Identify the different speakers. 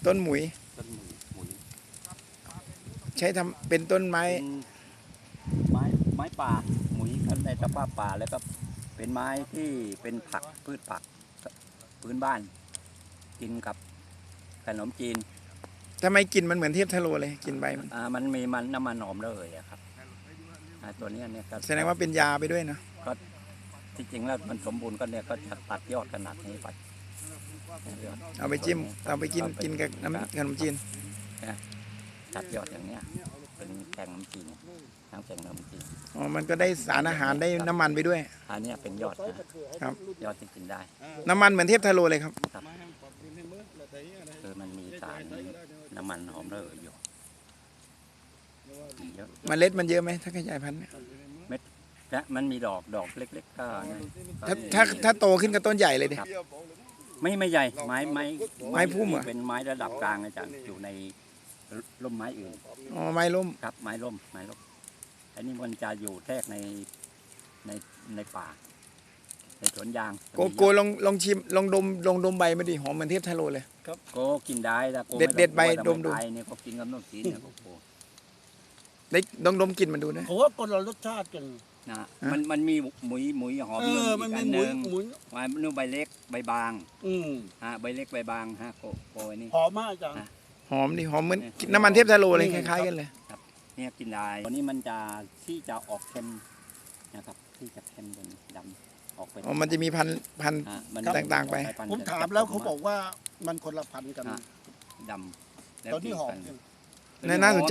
Speaker 1: ต้นหมุย
Speaker 2: ต้นหมุย
Speaker 1: ใช้ทำเป็นต้นไม้
Speaker 2: เป็นไม้ป่าหมุยกันในสภาพป่าแล้วก็เป็นไม้ที่เป็นผักพืชผักพื้นบ้าน กินกับขนมจีน
Speaker 1: ทำไมกลิ่นมันเหมือนเทพทะโลเลยกลิ่นใบมัน
Speaker 2: มันมีน้ำมันหอมระเหยอะครับตัวนี้เนี่ยก็
Speaker 1: แสดงว่าเป็นยาไปด้วยเนาะ
Speaker 2: ก็ที่จริงแล้วมันสมบูรณ์ก็เนี่ยก็จะตัดยอดขนาดนี้ไป
Speaker 1: เอาไปจิ้มเอาไปกินกับน้ำขนมจีน
Speaker 2: ตัดยอดอย่างเนี้ยเป็นแกงขนมจีนทั้งแกงขนมจีน
Speaker 1: อ๋อมันก็ได้สารอาหารได้น้ำมันไปด้วย
Speaker 2: อันนี้เป็นยอดนะครับ ยอดที่กินได้
Speaker 1: น้ำมันเหมือนเทพทะโลเลยครับ
Speaker 2: ครับคือมันมีสารน้ำมันหอมระเหยอยู่เยอะ
Speaker 1: เมล็ดมันเยอะไหมถ้าขยายพันธุ์เนี่ย
Speaker 2: และมันมีดอกเล็กๆก็นั่น
Speaker 1: ถ้าโตขึ้นก็ต้นใหญ่เลยดิ
Speaker 2: ไม่ใหญ่ไม้
Speaker 1: พุ่มเหรอ
Speaker 2: เป็นไม้ระดับกลางอาจารย์อยู่ในร่มไม้อื่น
Speaker 1: อ๋อไม้ล้ม
Speaker 2: ครับไม้ร่มอันนี้มันจะอยู่แทรกในป่า ในสวนยาง
Speaker 1: โกลองชิมลองดมใบมาดิหอมเหมือนเทพทะโลเลย
Speaker 2: ครับโกกินได้แต่โก
Speaker 1: เด็ดใบดมดู
Speaker 2: ไเนี่ยเขากินกับน้ำจีนเนี่ยโก
Speaker 1: ได้ลองดมกลิ่นมันดูนะ
Speaker 3: ผมว่าคนเรารสชาติกัน
Speaker 2: นะมันมีหมุยหอม
Speaker 3: มัน
Speaker 2: อีก
Speaker 3: มี
Speaker 2: อัน
Speaker 3: ห
Speaker 2: ห
Speaker 3: มุ
Speaker 2: นึ่
Speaker 3: น
Speaker 2: ง
Speaker 3: หมุน
Speaker 2: ไม้นู่นใบเล็กใบบาง ใบเล็กใบบางโกอันนี้
Speaker 3: หอมมากอาจารย์
Speaker 1: หอมดิหอมเหมือนน้ำมันเทพทะโลเลยคล้ายๆกันเลย
Speaker 2: เนี่ยกินได้ตัวนี้มันจะที่จะออกเค็มนะครับที่จะเค็มเป็นดำออกไป
Speaker 1: อ๋อมันจะมีพันธุ์
Speaker 2: มัน
Speaker 1: ต่างๆไป
Speaker 3: ผมถามแล้วเขาบอกว่ามันคนละพันธุ์กัน
Speaker 2: ดำ
Speaker 3: ตอนนี้หอม
Speaker 1: น่าสนใจ